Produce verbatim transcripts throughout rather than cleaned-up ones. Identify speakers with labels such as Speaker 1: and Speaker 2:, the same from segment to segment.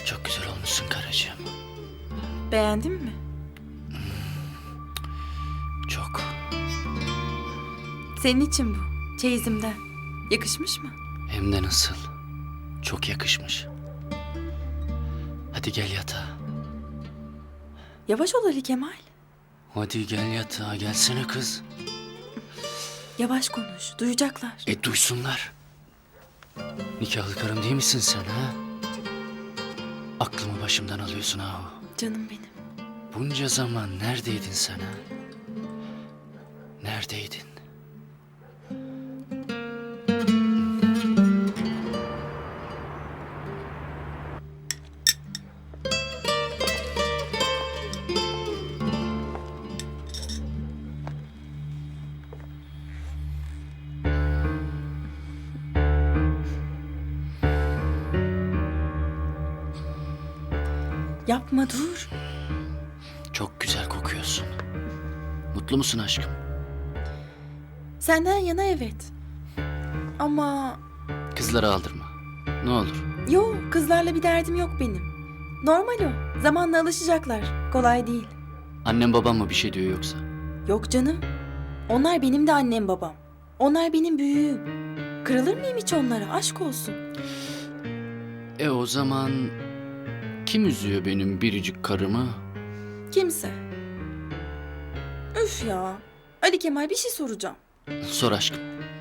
Speaker 1: Çok güzel olmuşsun karıcığım.
Speaker 2: Beğendin mi?
Speaker 1: Çok.
Speaker 2: Senin için bu. Çeyizimden. Yakışmış mı?
Speaker 1: Hem de nasıl. Çok yakışmış. Hadi gel yatağa.
Speaker 2: Yavaş ol Ali Kemal.
Speaker 1: Hadi gel yatağa. Gelsene kız.
Speaker 2: Yavaş konuş. Duyacaklar.
Speaker 1: E duysunlar. Nikahlı karım değil misin sen ha? Aklımı başımdan alıyorsun ha.
Speaker 2: Canım benim.
Speaker 1: Bunca zaman neredeydin sen ha? Neredeydin?
Speaker 2: Yapma dur.
Speaker 1: Çok güzel kokuyorsun. Mutlu musun aşkım?
Speaker 2: Senden yana evet. Ama
Speaker 1: Kızları aldırma. Ne olur.
Speaker 2: yo, kızlarla bir derdim yok benim. Normal o. Zamanla alışacaklar. Kolay değil.
Speaker 1: Annem babam mı bir şey diyor yoksa?
Speaker 2: Yok canım. Onlar benim de annem babam. Onlar benim büyüğüm. Kırılır mıyım hiç onlara? Aşk olsun.
Speaker 1: E o zaman kim üzüyor benim biricik karımı?
Speaker 2: Kimse. Üf ya. Ali Kemal, bir şey soracağım.
Speaker 1: Sor aşkım.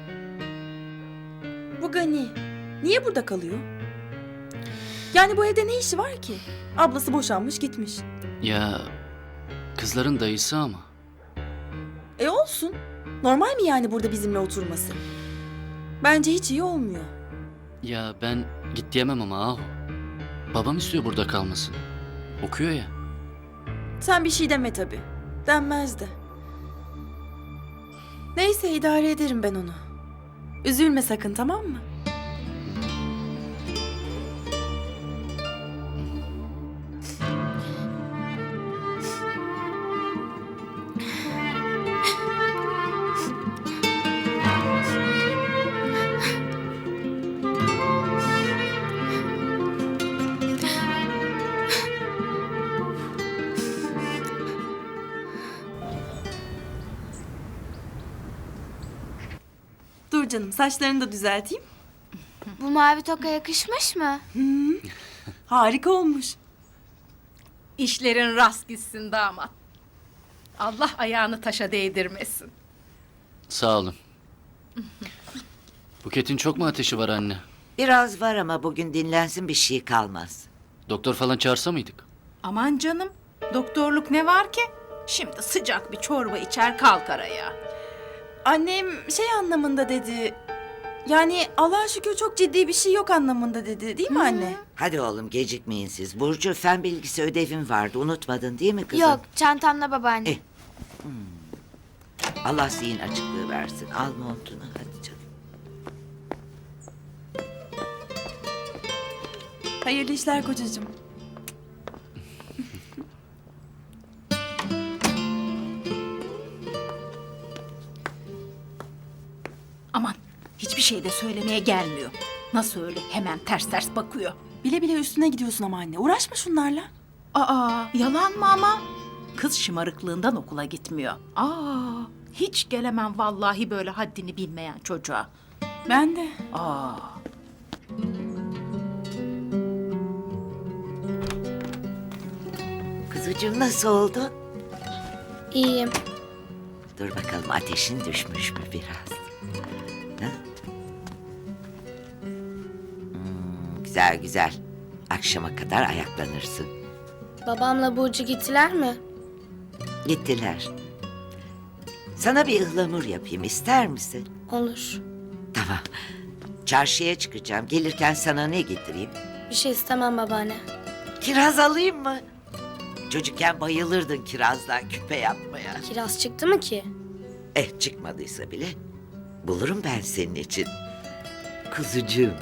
Speaker 2: Bu Gani niye burada kalıyor? Yani bu evde ne işi var ki? Ablası boşanmış gitmiş.
Speaker 1: Ya kızların dayısı ama.
Speaker 2: E olsun. Normal mi yani burada bizimle oturması? Bence hiç iyi olmuyor.
Speaker 1: Ya ben git diyemem ama ahu. Babam istiyor burada kalmasını. Okuyor ya.
Speaker 2: Sen bir şey deme tabii. Denmez de. Neyse, idare ederim ben onu. Üzülme sakın, tamam mı? Dur canım, saçlarını da düzelteyim.
Speaker 3: Bu mavi toka yakışmış mı?
Speaker 2: Harika olmuş.
Speaker 4: İşlerin rast gitsin damat. Allah ayağını taşa değdirmesin.
Speaker 1: Sağ olun. Buket'in çok mu ateşi var anne?
Speaker 5: Biraz var ama bugün dinlensin, bir şey kalmaz.
Speaker 1: Doktor falan çağırsa mıydık?
Speaker 4: Aman canım, doktorluk ne var ki? Şimdi sıcak bir çorba içer kalkar ayağa.
Speaker 2: Annem şey anlamında dedi. Yani Allah'a şükür çok ciddi bir şey yok anlamında dedi. Değil mi anne?
Speaker 5: Hadi oğlum, gecikmeyin siz. Burcu, fen bilgisi ödevin vardı, unutmadın değil mi kızım?
Speaker 3: Yok, çantamla babaanne.
Speaker 5: Eh. Allah zihin açıklığı versin. Al montunu hadi canım.
Speaker 2: Hayırlı işler kocacığım.
Speaker 4: Aman, hiçbir şey de söylemeye gelmiyor. Nasıl öyle hemen ters ters bakıyor.
Speaker 2: Bile bile üstüne gidiyorsun ama anne. Uğraşma şunlarla.
Speaker 4: Aa, yalan mı ama? Kız şımarıklığından okula gitmiyor. Aa, hiç gelemem vallahi böyle haddini bilmeyen çocuğa.
Speaker 2: Ben de.
Speaker 4: Aa.
Speaker 5: Kızıcığım, nasıl oldu?
Speaker 3: İyiyim.
Speaker 5: Dur bakalım, ateşin düşmüş mü biraz? Ha? Hmm, güzel güzel. Akşama kadar ayaklanırsın.
Speaker 3: Babamla Burcu gittiler mi?
Speaker 5: Gittiler. Sana bir ıhlamur yapayım, ister misin?
Speaker 3: Olur.
Speaker 5: Tamam. Çarşıya çıkacağım. Gelirken sana ne getireyim?
Speaker 3: Bir şey istemem babaanne.
Speaker 5: Kiraz alayım mı? Çocukken bayılırdın kirazdan küpe yapmaya.
Speaker 3: Kiraz çıktı mı ki?
Speaker 5: Eh, çıkmadıysa bile bulurum ben senin için. Kuzucuğum.